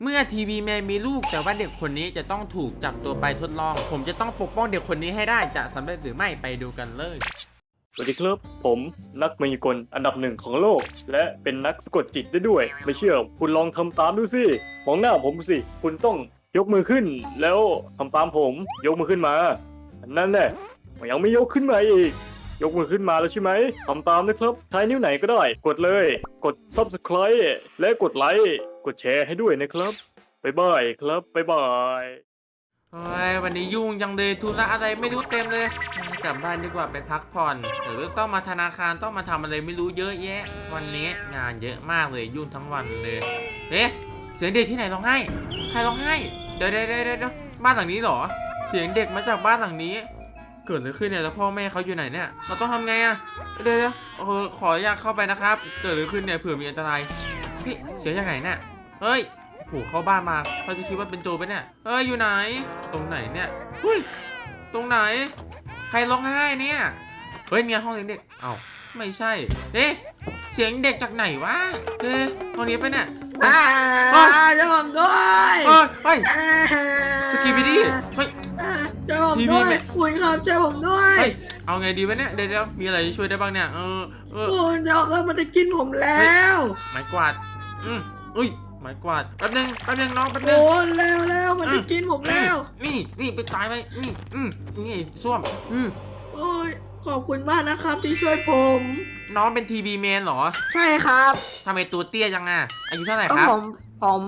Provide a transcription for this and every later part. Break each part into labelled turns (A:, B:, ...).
A: เมื่อทีวีแมนมีลูกแต่ว่าเด็กคนนี้จะต้องถูกจับตัวไปทดลองผมจะต้องปกป้องเด็กคนนี้ให้ได้จะสำเร็จหรือไม่ไปดูกันเลย
B: สวัสดีครับผมนักมายากลอันดับหนึ่งของโลกและเป็นนักสะกดจิตได้ด้วยไม่เชื่อคุณลองทำตามดูสิมองหน้าผมสิคุณต้องยกมือขึ้นแล้วทำตามผมยกมือขึ้นมานั่นแหละยังไม่ยกขึ้นมาอีกยกมือขึ้นมาแล้วใช่ไหมทำตามนะครับใช้นิ้วไหนก็ได้กดเลยกด Subscribe และกดไลค์กดแชร์ให้ด้วยนะครับบ๊ายบายครับบ๊ายบาย
A: โอ้ยวันนี้ยุ่งจังเลยธุระอะไรไม่รู้เต็มเลยกลับบ้านดีกว่าไปพักผ่อนหรือต้องมาธนาคารต้องมาทำอะไรไม่รู้เยอะแยะวันนี้งานเยอะมากเลยยุ่งทั้งวันเลยเอ๊ะเสียงเด็กที่ไหนร้องไห้ใครร้องไห้เดี๋ยวบ้านหลังนี้เหรอเสียงเด็กมาจากบ้านหลังนี้เกิดอะไรขึ้นเนี่ยแล้วพ่อแม่เขาอยู่ไหนเนี่ยเราต้องทำไงอะเดี๋ยวขออยากเข้าไปนะครับเกิดอะไรขึ้นเนี่ยเผื่อมีอันตรายพี่เสียงจากไหนเนี่ยเฮ้ยโหเข้าบ้านมาเขาจะคิดว่าเป็นโจรไปเนี่ยเฮ้ยอยู่ไหนตรงไหนเนี่ยเฮ้ยตรงไหนใครร้องไห้เนี่ยเฮ้ยเนี่ยห้องเด็กเอ้าไม่ใช่เอ๊ะเสียงเด็กจากไหนวะเอ๊ะห้องนี้ไปเนี่ย
C: ช่วยผมด้วย
A: เฮ้ยสกีบิดี้เฮ้ย
C: ช่วยผมด้วยคุณครับช่วยผมด้วย
A: เฮ้ยเอาไงดีวะเนี่ยเดี๋ยวมีอะไรช่วยได้บ้างเนี่ย
C: คุณจะเอามันจะกินผมแล้ว
A: ไม้กวาดอุ้ยไม้กวาดแป๊บนึงน้องแป๊บนึง
C: โอ้แล้วมันจะกินผมแล้ว
A: นี่ไปตายไปนี่ส้วม
C: โอ้ยขอบคุณมากนะครับที่ช่วยผม
A: น้องเป็นทีวีแมนเหรอ
C: ใช่ครับ
A: ทำไมตัวเตี้ยจังอ่ะอายุเท่าไหร่ครับ
C: ผม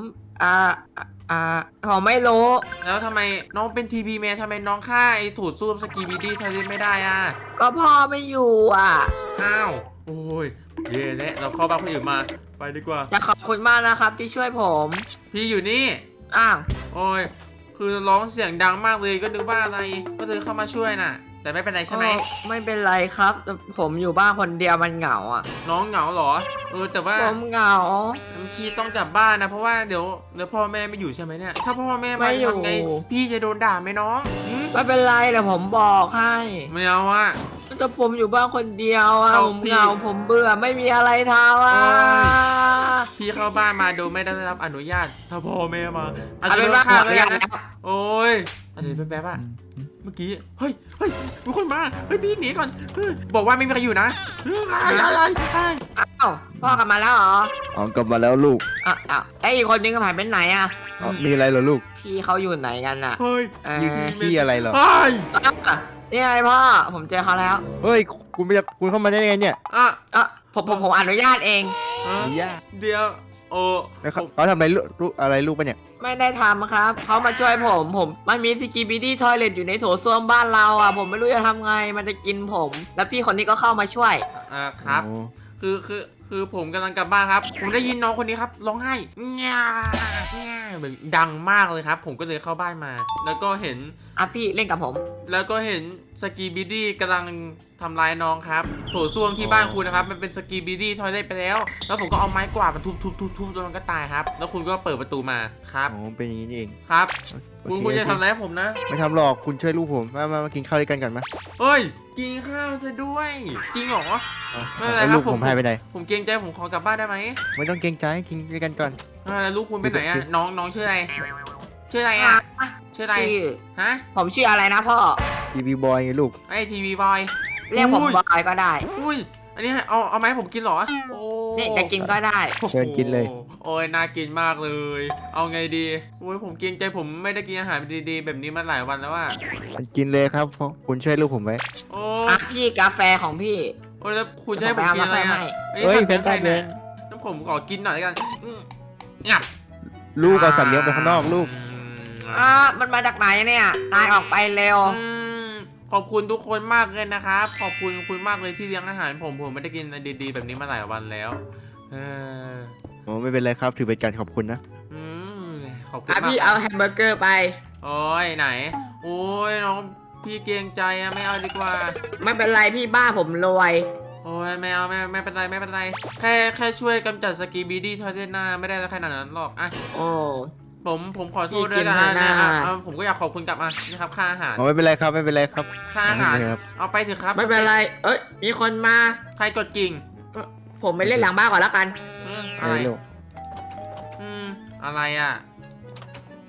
C: ผมไม่รู้
A: แล้วทำไมน้องเป็นทีวีแมนทำไมน้องฆ่าไอ้ถูดซ่วมสกีบีดี้ทะเลไม่ได้อ่ะ
C: ก็พ่อไม่อยู่
A: อ้าวโอ้ยเย่เนี่ยเราเข้าบ้านคนอื่นมาไปดีกว่า
C: จะขอบคุณมากนะครับที่ช่วยผม
A: พี่อยู่นี่โอ้ยคือร้องเสียงดังมากเลยก็นึกว่าอะไรก็เลยเข้ามาช่วยน่ะแต่ไม่เป็นไรใช่ไหม
C: ไม่เป็นไรครับผมอยู่บ้านคนเดียวมันเหงา
A: น้องเหงาเหรอแต่ว่า
C: ผมเหงา
A: พี่ต้องกลับบ้านนะเพราะว่าเดี๋ยวพ่อแม่ไม่อยู่ใช่ไหมเนี่ยถ้าพ่อแม่มาทำไงพี่จะโดนด่าไหมน้อง
C: ไม่เป็นไรเดี๋ยวผมบอกให้
A: ไม่เอา
C: แต่ผมอยู่บ้านคนเดียวผมเหงาผมเบื่อไม่มีอะไรทำ
A: พี่เข้าบ้านมาโดยไม่ได้รับอนุญาตถ้าพ่อแม่มา
C: อาจจะโดนฆ่าเลยนะ
A: โอ้ยอะไรแป๊บเมื่อกี้เฮ้ยมีคนมาพี่หนีก่อนบอกว่าไม่มีใครอยู่นะอะไร
C: พ่อกลับมาแล้วเหร
D: กลับมาแล้วลูก
C: ไอ้อีกคนนึงก็หายไปไหน
D: มีอะไรเหรอลูก
C: พี่เขาอยู่ไหนกัน
A: เฮ้ย
D: พี่อะไรเหรอ
C: นี่ไงพ่อผมเจอเขาแล้ว
D: เฮ้ยคุณเข้ามาได้ยังไงเนี่ย
C: ผมอนุญาตเอง
A: เดี๋ยว
D: แล้วเขาทำอะไรลูกปะเนี่ย
C: ไม่ได้ทำครับเขามาช่วยผมมันมีสกีบิดี้ทอยเลทอยู่ในโถส้วมบ้านเราผมไม่รู้จะทำไงมันจะกินผมแล้วพี่คนนี้ก็เข้ามาช่วย
A: ครับคือผมกำลังกลับบ้านครับผมได้ยินน้องคนนี้ครับร้องไห้ง่าเหมือนดังมากเลยครับผมก็เลยเข้าบ้านมาแล้วก็เห็น
C: พี่เล่นกับผม
A: แล้วก็เห็นสกีบิดี้กำลังทำร้ายน้องครับโถส้วมที่บ้านคุณนะครับมันเป็นสกีบิดี้ทอยเลทไปแล้วผมก็เอาไม้กวาดมาทุบจนมันก็ตายครับแล้วคุณก็เปิดประตูมาครับ
D: เป็นอย่างนี้เอง
A: ครับคุณจะทำอะไรผมนะ
D: ไม่ทำหรอกคุณช่วยลูกผมมากินข้าวด้วยกันก่อนมา
A: เฮ้ยกินข้าวซะด้วยจริงเหรอ
D: ไม่เป็นไรครับผมให้ไปไหน
A: ผมเกรงใจผมขอกลับบ้านได้ไหม
D: ไม่ต้องเกรงใจกินด้วยกันก่อน
A: แล้วลูกคุณไปไหนน้องชื่ออะไรชื่ออะไรชื่ออะไร
C: ผมชื่ออะไรนะพ่อ
D: ทีวีบอยไงลูก
A: ไอทีวีบอย
C: เรียกผมบอยก็ได้
A: อุ้ยอันนี้เอาไหมผมกินหรอ
C: นี่จะกินก็ได้
D: เชิญกินเลย
A: โอ้ยน่ากินมากเลยเอาไงดีโอ้ยผมเกรงใจผมไม่ได้กินอาหารดีๆแบบนี้มาหลายวันแล้ว
D: กินเลยครับเพราะคุณช่วยลูกผมไว้
C: พี่กาแฟของพี่
A: โอ้แล้วคุณจะให้ผมกินอะไร
D: เฮ้ยเป็นไงเนี่ย
A: น้ำผมขอกินหน่อยกันงับ
D: ลูกเอาสัตว์เลี้ยงไปข้างนอกลูก
C: มันมาจากไหนเนี่ยนายออกไปเร็ว
A: ขอบคุณทุกคนมากเลยนะครับขอบคุณมากเลยที่เลี้ยงอาหารผมไม่ได้กินดีๆแบบนี้มาหลายวันแล้ว
D: ไม่เป็นไรครับถือเป็นการขอบคุณนะ
A: ขอบคุณมาก
C: พี่เอาแฮมเบอร์เกอร์ไป
A: โอ้ยไหนโอ้ยน้องพี่เกรงใจไม่เอาดีกว่า
C: ไม่เป็นไรพี่บ้าผมรวย
A: โอ้ยไม่เอาไม่เป็นไรแค่ช่วยกำจัดสกีบีดี้ทอยเลทหน้าไม่ได้ขนาดนั้นหรอกผมขอโทษด้วยนะผมก็อยากขอบคุณกลับมานะครับค่าอาหาร
D: ไม่เป็นไรครับ
A: ค่าอาหารเอาไปเถอะครับ
C: ไม่เป็นไรมีคนมา
A: ใครกดกิ่ง
C: ผมไปเล่นหลังบ้านก่อนแล้วกัน
A: อะไรอะไร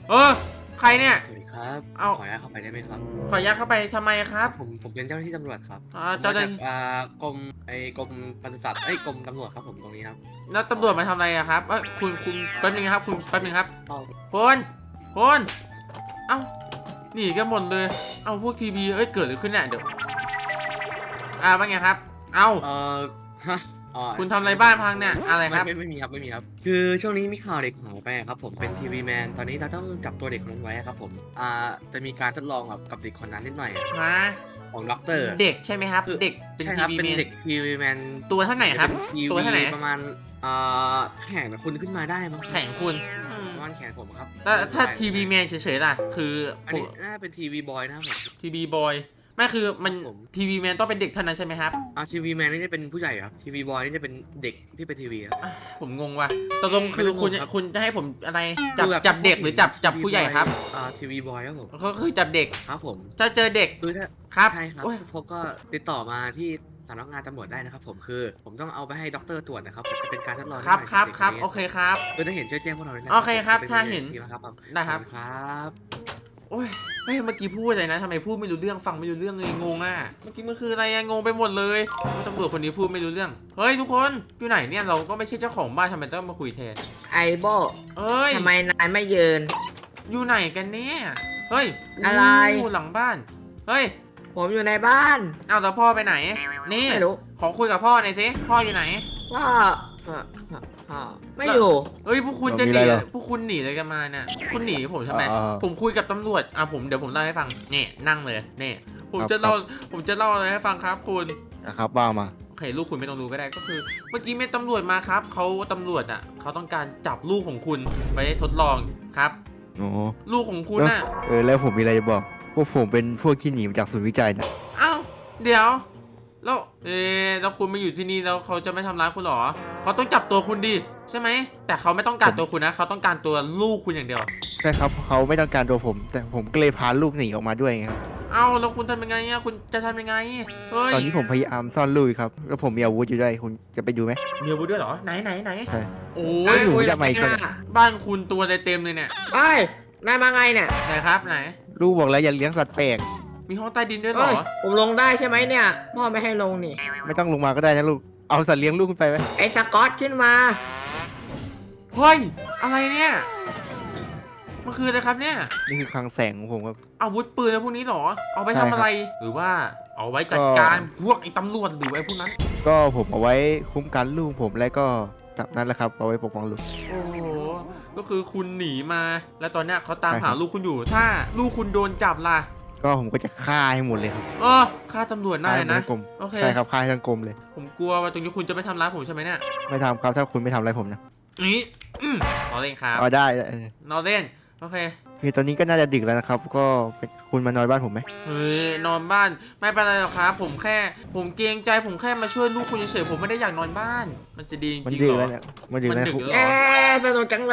A: ใครเนี่ย
E: สวัสดีครับ
A: เอา
E: ขออนุญาตเข้าไปได้ไหมครับ
A: ขออนุญาตเข้าไปทำไมครับ
E: ผมเป็นเจ้าหน้าที่ตำรวจครับ
A: เจ้าหน้า
E: มา
A: ที่
E: จากกรมกรมปศุสัตว์กรมตำรวจครับผมตรงนี้ครับ
A: แล้วตำรวจมาทำอะไรอะครับคุณแป๊บนึงครับคุณแป๊บนึงครับ
E: เอา
A: คนเอ้าหนีกันหมดเลย เอาพวกทีวีเกิดอะไรขึ้นเนี่ยเดี๋ยวว่าไงครับ เอ้า
E: ฮะอ๋อ
A: คุณทำอะไรบ้านพังเนี่ยอะไรครับ
E: ไม่มีครับไม่มีครับ คือช่วงนี้มีข่าวเด็กหายไปครับผมเป็นทีวีแมนตอนนี้เราต้องจับตัวเด็กคนนั้นไว้ครับผมจะมีการทดลองกับเด็กคนนั้นนิดหน่อย
A: ฮะ
E: ของด็อกเตอร์
A: เด็กใช่ไหมครับ
E: คือ
A: เด็กเป็น
E: ใช่
A: ที
E: ครับ
A: วี
E: เป็น
A: แมน
E: เด็กทีวีแมน
A: ตัวเท่าไหนครับ
E: เป็นที
A: ตัวเท่าไหน
E: วีประมาณแข่งกับคุณขึ้นมาได้มั้ง
A: แข่งคุณ
E: ประมาณแขนผมครับ
A: ถ้าทีวีแมนเฉยๆล่ะ คือ
E: อันนี้น่าเป็นทีวีบอยนะครับผม
A: ทีวีบอยไม่คือมัน
E: ผม
A: ทีวีแมนต้องเป็นเด็กเท่านั้นใช่ไหมครับ
E: ทีวีแมนนี่จะเป็นผู้ใหญ่ครับทีวีบอยนี่จะเป็นเด็กที่เป็นทีวีครับ
A: ผมงงว่ะตกลงคือ
E: ไม่ต้องงง
A: คุณ
E: ครับ
A: คุณจะให้ผมอะไร
E: คือแบบ
A: จับเด็กหรือจับผู้ใหญ่ครับ
E: ทีวีบอยครับผม
A: ก็คือจับเด็ก
E: ครับผม
A: ถ้าเจอเด็ก
E: คือถ้า
A: ครับ
E: ใช่ครับ
A: โอ้ย
E: พบก็ติดต่อมาที่สำนักงานตำรวจได้นะครับผมคือผมต้องเอาไปให้ด็อกเตอร์ตรวจนะครับจะเป็นการทดลอง
A: ครับ
E: นิดหน่อย
A: ครับ
E: เด็ก
A: ครับ
E: นนี้
A: โอเคครับ
E: คือถ้าเห็นช่วยแจ้งพวกเราด้วยนะ
A: โอเคครับ
E: จะป็
A: ถ้าเห็น
E: ดีนะครับ
A: ได้ครับ
E: ขอณครับ
A: โอ้ยเฮ้ยเมื่อกี้พูดอะไรนะทำไมพูดไม่รู้เรื่องฟังไม่รู้เรื่องเลยงงอ่ะเมื่อกี้มันคืออะไรอะงงไปหมดเลยว่าตำรวจคนนี้พูดไม่รู้เรื่องเฮ้ยทุกคนอยู่ไหนเนี่ยเราก็ไม่ใช่เจ้าของบ้านทำไมต้องมาคุยแทน
C: ไอโบ
A: เอ้ย
C: ทำไมนายไม่ยืน
A: อยู่ไหนกันเนี่ยเฮ้ย
C: อะไร
A: หลังบ้านเฮ้ย
C: ผมอยู่ในบ้าน
A: เอาแต่พ่อไปไหนนี่
C: ไม่รู้
A: ขอคุยกับพ่อหน่อยสิพ่ออยู่ไหน
C: ว่าไม่อยู่
A: เฮ้ยพวกคุณจะห
D: มี
A: นี
D: อะไรเหรอ
A: พวกคุณหนีอะไรกันมาเนี่ยคุณหนีผมทำไม
D: อ่า
A: ผมคุยกับตำรวจเดี๋ยวผมเล่าให้ฟังนี่นั่งเลยนี่ผม
D: ครับ
A: จะเล่าผมจะเล่าอะไรให้ฟังครับคุณ
D: นะครับว่ามา
A: โอเคลูกคุณไม่ต้องรู้ก็ได้ก็คือ เมื่อกี้มีตำรวจมาครับเขาตำรวจเขาต้องการจับลูกของคุณไปทดลองครับ
D: โอ้
A: ลูกของคุณ
D: แล้ว
A: น่ะ
D: แล้วผมมีอะไรจะบอก พวกผมเป็นพวกที่หนีมาจากศูนย์วิจัยนะ
A: อ้าวเดี๋ยวแล้วแล้วคุณมาอยู่ที่นี่แล้วเขาจะไม่ทำร้ายคุณเหรอเขาต้องจับตัวคุณดิใช่ไหมแต่เขาไม่ต้องการตัวคุณนะเขาต้องการตัวลูกคุณอย่างเดียว
D: ใช่ครับเขาไม่ต้องการตัวผม แต่ผมก็เลยพาลูกหนีออกมาด้วยไงครับ
A: เอ้าแล้วคุณทำยังไงอะคุณจะทำยังไงเฮ้ย
D: ตอนนี้ผมพยายามซ่อนลูกอยู่ครับ แล้วผมมีอาวุธอยู่ด้วยคุณจะไปดูไหม
A: มีอาวุธด้วยเหรอไหน
D: ใช่
A: โอ้
D: เฮ้
A: ย
D: ย หนูจะมาอีกคน
A: บ้านคุณตัวเต็มเลยเนี่ย
C: เอ้ยนายมาไงเนี่ย
A: ไหนครับไหน
D: ลูกบอกแล้วอย่าเลี้ยงสัตว์แปลก
A: มีห้องใต้ดินด้วยเหร
C: เอ้ย
A: อ
C: ผมลงได้ใช่ไหมเนี่ย พ่อไม่ให้ลงนี่
D: ไม่ต้องลงมาก็ได้นะลูก เอาสัตว์เลี้ยงลูกขึ้นไปไหม
C: ไอ้สกอตขึ้นมา
A: เฮ้ยอะไรเนี่ยมันคืออะไรครับเนี่ย
D: นี่คือคลังแสงของผมครับ
A: อาวุธปืนอะไรพวกนี้เหรอเอาไป
D: ใช่
A: ทำ
D: ครับ
A: อะไร หรือว่าเอาไว้จัด
D: ก็
A: การพวกไอ้ตำรวจหรือไอ้พวกนั้น
D: ก็ผมเอาไว้คุ้มกันลูกผมและก็จับนั้นแหละครับ เอาไว้ปกป้องลูก
A: โอ้โหก็คือคุณหนีมา แล้วตอนเนี้ยเขาตาม
D: ใช่ครั
A: หา
D: บ
A: ลูกคุณอยู่ ถ้าลูกคุณโดนจับล่ะ
D: ก็ผมก็จะฆ่าให้หมดเลยครับ
A: ฆ่าตำรวจได้
D: ฆ่าให้หมด
A: นะ
D: ทั้งกลม
A: โอเค
D: ใช่ครับฆ่าให้ทั้งกลมเลย
A: ผมกลัวว่าตรงนี้คุณจะไม่ทำร้ายผมใช่ไหมเนี่ย
D: ไม่ทำครับถ้าคุณไม่ทำอะไรผมนะ
A: นี่นอเล่นครับ
D: เอาได้
A: นอเล่นโอเค
D: คือตอนนี้ก็น่าจะดึกแล้วนะครับ ก็คุณมานอนบ้านผมไหม
A: เฮ้ยนอนบ้านไม่เป็นไรหรอกครับผมเกรงใจผมแค่มาช่วยลูกคุณเฉยๆผมไม่ได้อยากนอนบ้าน มันจะดีจ
D: มัน
A: ริง
D: ดึ
A: ๆ
D: ก
A: เหร
D: แล้
A: อ
D: วเนี่ยมันดึกแล้ว
A: มันดึกแล้ว
C: เอ๊ะสนุกจังเลย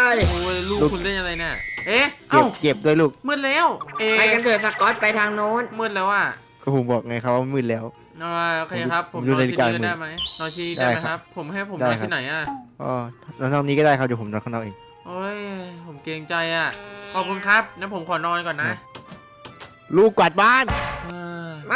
A: โอ้ยลูกคุณเล่นอะไรเนี่ยเอ๊ะ
D: เก็
A: เอ้า
D: บเก็บด้วยลูก
A: มืดแล้ว
C: ไปกันเถอะสกอตไปทางโน้น
A: มืดแล้วอ่ะ
D: ก็ผมบอกไงครับว่ามืดแล้ว
A: โอเคครับผม
D: ผมดู
A: นอน
D: นาฬิ
A: ที่
D: กา
A: นี่
D: มือ
A: ได้ไหมนอนที่นี่ได้ไหม
D: ได้
A: ค
D: ครั
A: รับ
D: บ
A: ผมให้ผม
D: ได้
A: นอน
D: ครับ
A: ที่ไหนอ่ะ
D: อ๋อนอนห้องนี้ก็ได้ครับเดี๋ยวผมนอนข้างนอกเอง
A: โอ้ยผมเกรงใจอ่ะขอบคุณครับงั้นผมขอนอนก่อนนะ
D: ลูกกวาดบ้าน
A: เออ
C: ไม่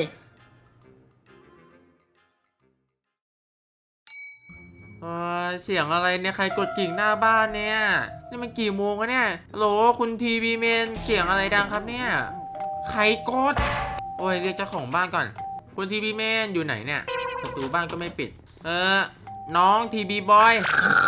A: เสียงอะไรเนี่ยใครกดกิ่งหน้าบ้านเนี่ยนี่มันกี่โมงแล้วเนี่ยฮัลโหลคุณทีวีเมนเสียงอะไรดังครับเนี่ยใครกดโอ้ยเรียกเจ้าของบ้านก่อน คุณทีวีเมนอยู่ไหนเนี่ยประตูบ้านก็ไม่ปิดน้องทีบีบอย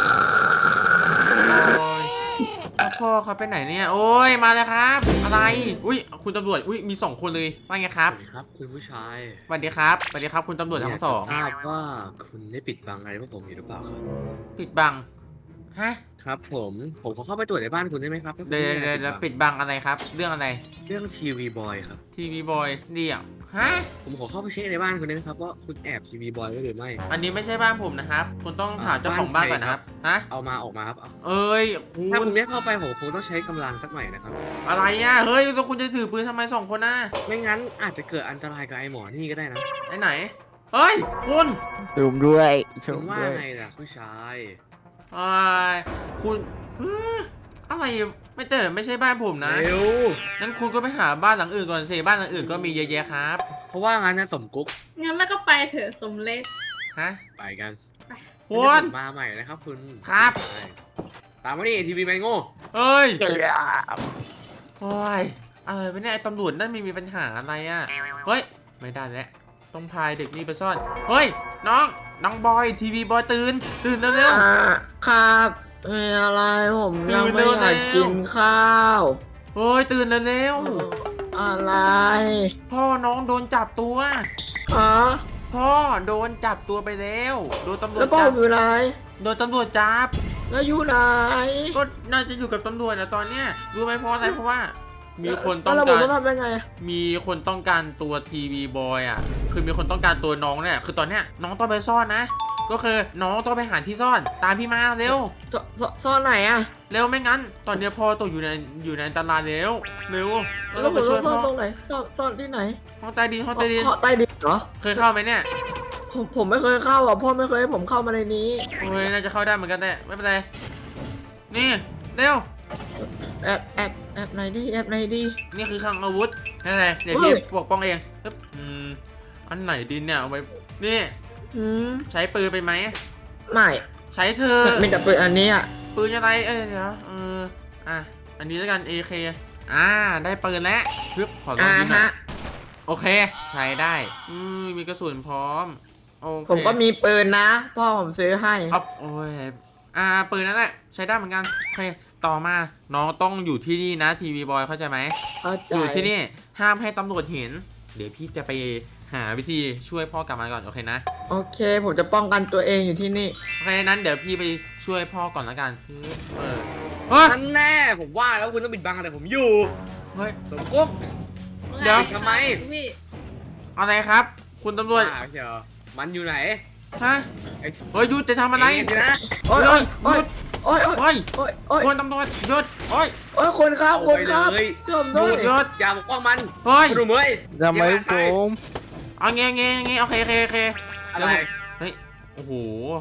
A: โอ้ยแล้วพ่อเขาไปไหนเนี่ยโอ้ยมาแล้วครับอะไรอุ้ยคุณตำรวจอุ้ยมี2 คนเลยว่าไงครับ
E: สวัสดีครับคุณผู้ชาย
A: สวัสดีครับสวัสดีครับคุณตำรวจทั้งสอง
E: ยากจะทราบว่าคุณได้ปิดบังอะไรพวกผมอยู่หรือเปล่าครับ
A: ปิดบังฮะ
E: ครับผมขอเข้าไปตรวจในบ้านคุณได้ไหมครับถ้าคุณ
A: เดี๋ยว
E: ไม่
A: เดี๋ยว
E: อาก
A: ปิดบังอะไรครับ เรื่องอะไร
E: เรื่องทีวีบอยครับ
A: ทีวีบอยเดี่ยวฮะ
E: ผมขอเข้าไปเช็คในบ้านคุณได้ไหมครับว่าคุณแอบทีวีบอยไว้หรือไม่
A: อันนี้ไม่ใช่บ้านผมนะครับ คุณต้องถามเจ้าของบ้านก่อนนะครับฮะ
E: เอามาออกมาครับเอา
A: เอ้ยคุ
E: ถ้า
A: ณ
E: คุณไม่เข้าไปผมคงต้องใช้กำลังสักหน่อยนะครับ
A: อะไรอ่ะเฮ้ยแล้วคุณจะถือปืนทำไม2 คนน่ะ
E: ไม่งั้นอาจจะเกิดอันตรายกับไอ้หมอนี่ก็ได้นะ
A: ไอ้ไหนเฮ้ยคุณ
D: ชมด้วยช
E: คุ
D: ม
E: ณว่า
D: ด้วย
E: ไงล่ะผู้ชาย
A: ไอ้คุณเอ้ยอะไรไม่แต่ไม่ใช่บ้านผมนะ
E: เร็ว
A: งั้นคุณก็ไปหาบ้านหลังอื่นก่อนสิบ้านหลังอื่นก็มีเยอะแยะครับ
E: เพราะว่างั้นนะสมกุ๊ก
F: งั้นแล้วก็ไปเถอะสมเล็ก
A: ฮะ
E: ไปกัน
A: คุณ
E: เดี๋ยวผมมาใหม่นะครับคุณ
A: ครับ
E: ใช่ตามมาดิทีวีแมนโง่
A: เอ้ยโอ้ยอะไรวะเนี่ยไอ้ตำรวจนั่นไม่มีปัญหาอะไรอ่ะเฮ้ยไม่ได้แล้วต้องพายเด็กนี่ไปซ่อนเฮ้ยน้องบอยทีวีบอยตื่นเร็ว
C: ครับมีอะไรผมยังไม่อยากกินข้าว
A: ๆเฮ้ยตื่นเร็ว
C: อะไร
A: ๆพ่อน้องโดนจับตัว
C: ฮะ
A: พ่อโดนจับตัวไปแล้วโดนตำรว
C: แล้
A: จ
C: วพ่อ
A: จับ
C: อยู่ไหน
A: โดนตำรวจจับ
C: แล้วอยู่ไหน
A: ก็น่าจะอยู่กับตำรวจนะตอนเนี้ยรู้ไหมเพราะอะไรเพราะว่า มีคนต้อง
C: แล้วผ
A: กาม ร
C: ต้องทำยังไง
A: มีคนต้องการตัวทีวีบอยอ่ะคือมีคนต้องการตัวน้องเนี่ยคือตอนเนี้ยน้องต้องไปซ่อนนะ ก็คือน้องต้องไปหาที่ซ่อนตามพี่มาเร็ว
C: ซ่อนไหนอะ
A: เร็วไม่งั้น ตอนเนี้ยพ่อตกอยู่ในอันตรายเร็วเรา
C: แล้
A: ต้อ
C: ว
A: ง
C: ผ
A: ไป
C: ม
A: ช่
C: ต้
A: ว
C: อย งซ่
A: พ่อ
C: อนตรงไหนซ่อนที่ไหน
A: ห้องใต้ดินห้องใต้ดิน
C: ใต้ดินเหรอ
A: เคยเข้าไหมเนี่ย
C: ผมไม่เคยเข้าอ่ะพ่อไม่เคยให้ผมเข้ามาในนี้
A: โอ้ยน่าจะเข้าได้เหมือนกันแต่ไม่เป็นไรนี่เร็ว
C: แอบไหนดีแอบไหนดี
A: นี่คือคลังอาวุธนั่นไงเดี๋ยว
C: เฮ้
A: พี่
C: ย
A: ปกป้องเองปึ๊บอันไหนดินเนี่ยเอาไว้นี่
C: อืม
A: ใช้ปืนไปไหม
C: ไม่
A: ใช้เธอ
C: มีแต่ปืนอันนี้อ่ะ
A: ปืนอะไรเดี๋ยวอ่ะอันนี้แล้วกัน AK ได้ปืนแล้วปึ๊บขอลองยิงหน่อย
C: ฮะ
A: โอเคใช้ได้มีกระสุนพร้อมโอเค
C: ผมก็มีปืนนะ พ่อผมซื้อให้
A: อ๊อฟโอ้ยปืนนั่นแหละใช้ได้เหมือนกันโอเคต่อมาน้องต้องอยู่ที่นี่นะทีวีบอยเข้าใจไหม
C: เข้าใจ
A: อยู่ที่นี่ห้ามให้ตำรวจเห็น เดี๋ยวพี่จะไปหาวิธีช่วยพ่อกลับมาก่อนโอเคนะ
C: โอเค ผมจะป้องกันตัวเองอยู่ที่นี่
A: โอเคนั้นเดี๋ยวพี่ไปช่วยพ่อก่อนละกันเฮ้ย
E: นั่นแน่ผมว่าแล้วคุณต้องปิดบังแต่ผมอยู่
A: เฮ้ย
E: สมกุ๊ก
A: เดี๋ยว
E: ทำไม
F: พี่
A: อะไรครับ คุณตำรวจ
E: เดี๋ยวมันอยู่ไหน
A: ฮะ
E: ไอ้
A: เฮ้ยหยุดจะทำอะไร
E: เงสินะ
C: โอ๊ย
A: เฮ้ย
C: โอ๊ยโอ๊ยโอ๊ย
A: เฮ้ย
C: โอ๊ยโอ๊ย
A: คนตำรวจหยุดโอ้ย
C: โอ๊ยคนครับคนครับ
E: เอาไปเลย
C: ช่วยผมด้วย
A: หยุด
E: อย่าปกป้องมัน
A: เฮ้ย
E: คุณดูเมย
D: ทำไมผม
A: เอาเงี้ยโอเค
E: อะไร
A: เฮ้ยโอ้โห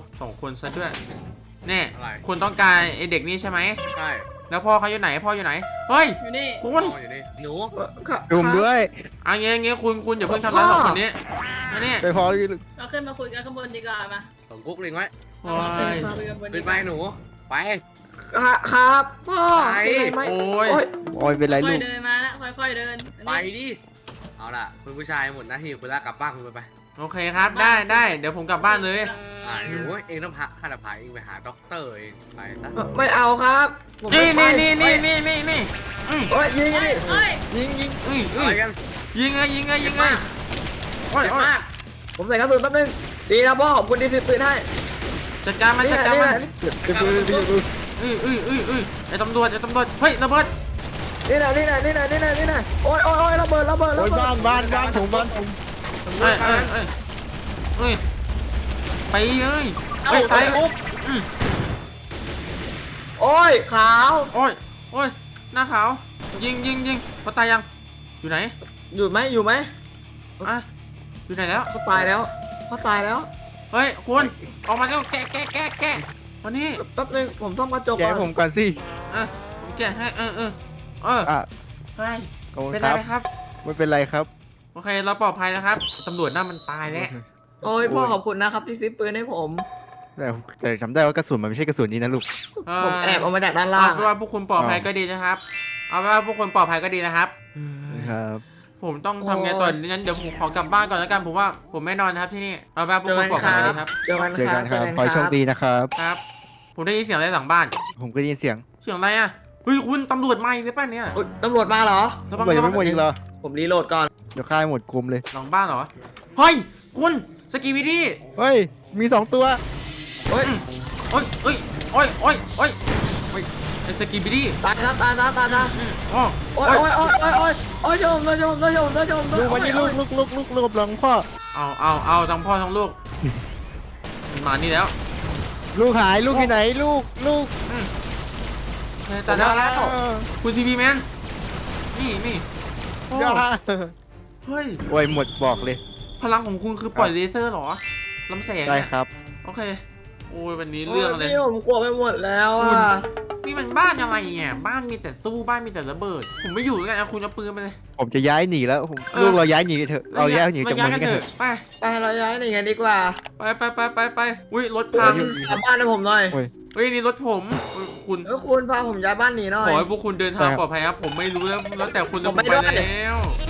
A: 2 คนซะด้วยแน่
E: อะไร
A: คุณต้องการไอเด็กนี่ใช่ไหม
E: ใช่
A: แล้วพ่อเขาอยู่ไหนพ่ออยู่ไหนเฮ้ย
F: อยู่นี่
A: คุณ
E: พ่ออยู่นี่หนู
C: ครับ
D: ดูผมด้วย
A: เอาเงี้ยคุณอย่าเพิ่งทำร้าย
C: พ่อ
A: 2 คนนี้อันนี้
D: ไปพอ
F: เราขึ้นมาคุยกันข้างบนดีกว่ามา
E: สมกุ๊กเล็งไว้
A: โอ้ย
F: มาคุยกันบน
E: ขึ้
F: ดี
E: น
F: ก
E: ไป
F: ว่า
E: หนูไป
C: ครับพ่อ
E: ไป
C: เป็นไรไหม
A: โอ้ย
C: โอ๊ย
D: โอ้ยเป็นไร
F: ค่
D: ลู
F: อย
D: ก
F: ๆเดินมานะค่อยๆเดินอัน
E: ไป
F: นี้
E: ดิเอาล่ะคุณผู้ชายหมดหน้าที่คุณลากกลับบ้านคุณไป
A: โอเคครับได้เดี๋ยวผมกลับบ้านเลย
E: หนูเองต้องพาข้าจะพาเองไปหาด็อกเตอร์เองไปซะ
C: ไม่เอาครับผม
A: นี่
C: ไม่ไป
A: นี่
C: โอ๊ยยิง
F: เอ้
C: ยิ
F: ย
C: ง
F: เอ้ย
C: ยิง
E: อะไรกัน
A: ยิงเลยโอ้ย
E: เจ็บ
A: โอ้ย
E: มาก
C: ผมใส่กระสุนแป๊บนึงดีนะพ่อขอบคุณที่ซื้อปืนให้
A: จัดการมัน
C: นี่
A: จัด
C: แหละ
A: การ
C: นี่
A: มัน
C: แหละ
A: ไอ้ตำรวจเฮ้ยระเบิด
C: นี่แหละโอ๊ยระเบิด
D: โอ้ยบ้านผมบ้านผม
A: เอ้ยไปเลย
E: เอ้า
A: ไป
E: ปุ๊บ
C: โอ๊ยขาว
A: โอ้ยหน้าขาวยิงเขาตายยังอยู่ไหน
C: อยู่ไหม
A: อยู่ไหนแล้ว
C: เขาตายแล้ว
A: เฮ้ยคุณออกมาแล้วแกะวันนี้
C: แป๊บนึงผมซ่อมกระจก
D: แก
C: ก่อน
D: ผมก่อนสิ
A: ผมแกะให้
D: อ่ะ
A: เฮ้ย
D: ขอบคุณ
A: เป็น
D: ค
A: ไร
D: รับ
A: ไหมครับ
D: ไม่เป็นไรครับ
A: โอเคเราปลอดภัยแล้วครับตำรวจน่ามันตายแล้ว
C: โอ้ยพ่อขอบคุณนะครับที่ซื้อปืนให้ผม
D: แต่จำได้ว่ากระสุนมันไม่ใช่กระสุนนี้นะลูก
C: ผมแอบเอามาจากด้าน
A: เอา
C: ล่าง
A: เป็นว่าพวกคุณปลอดภัยก็ดีนะครับเอาเป็นว่าพวกคุณปลอดภัยก็ดีนะครับ
D: ครับ
A: ผมต้องทำไงต่องั้นเดี๋ยวผมขอกลับบ้านก่อนแล้วกันผมว่าผมไม่นอนนะครับที่นี่เอาเป็นว่าพวกคุณปลอดภัยก็ดีครับ
C: เจอกัน
D: เจอ
C: ครั
D: กับ นครับ
C: เจอ
D: ขอให้โชคดีนะครับ
A: ครับ ผมได้ยินเสียงอะไรหลังบ้าน
D: ผมก็ได้ยินเสียง
A: เสียงอะไรอ่ะเฮ้ยคุณตำรวจมาอีกเลยป่ะเนี่ย
C: อุ๊ยตำรวจมาเหรอ
A: ระวัง
D: เปิดยัง
A: ระวั
D: ไม่หมด
A: ง
D: อีกเหรอ
C: ผมรีโหลดก่อน
D: เดี๋ยวค่ายหมดกลุ่มเลย
A: หลังบ้านเหรอเฮ้ยคุณสกีวิดี้
D: เฮ้ย มี2 ตัว
C: โอ๊ย
A: โอ้ยไอ้สกีบิดี้
C: ตายครับตาย
A: อ๋อ
C: โอ๊ยโยม
D: ลูกวันนี้ลูกหลังพ่อ
A: เอาทั้งพ่อทั้งลูกมันมานี่แล้ว
D: ลูกหายลูกที่ไหนลูก
A: แต่แล้วคุณทีวีแมนนี่โอ้
D: ย่า
A: เฮ้ย
D: โอ้ยหมดบอกเลย
A: พลังของคุณคือปล่อยเลเซอร์เหรอลำแสง
D: ใช่
A: เนี่ย
D: ครับ
A: โอเคโอ้ยวันนี้เรื่องอะไร
C: พี่ผมกลัวไปหมดแล้วอ่ะ
A: นี่นี่มันบ้านอะไรเนี่ยบ้านมีแต่สู้บ้านมีแต่ระเบิด ผมไม่อยู่แล้วกันเอาคุณเอาปืนไปเลย
D: ผมจะย้ายหนีแล้วผม
A: เออ
D: ลูกเราย้ายหนีเถอะเราย้ายหนีจาก
A: ย้า
D: เมื
A: ย
D: อง
A: กัน
D: นี้กัน
A: เถ
D: เถ
A: อะ
D: อะ
A: ไป
C: ไปเราย้ายหนีกันดีกว่า
A: ไปอุ้ยรถพัง
C: กลับบ้านให้ผมหน่อย
D: โอ้ย
A: เฮ้ยนี่รถผมเฮ้ยคุณ
C: คุณพาผมย้ายบ้านหนีหน่อ
A: ข
C: ย
A: อให้พวกคุณเดินทางปลอดภัยครับผมไม่รู้แล้วแต่คุณ
C: ผมไม่
A: ไป
C: ด้วย
A: แล้ว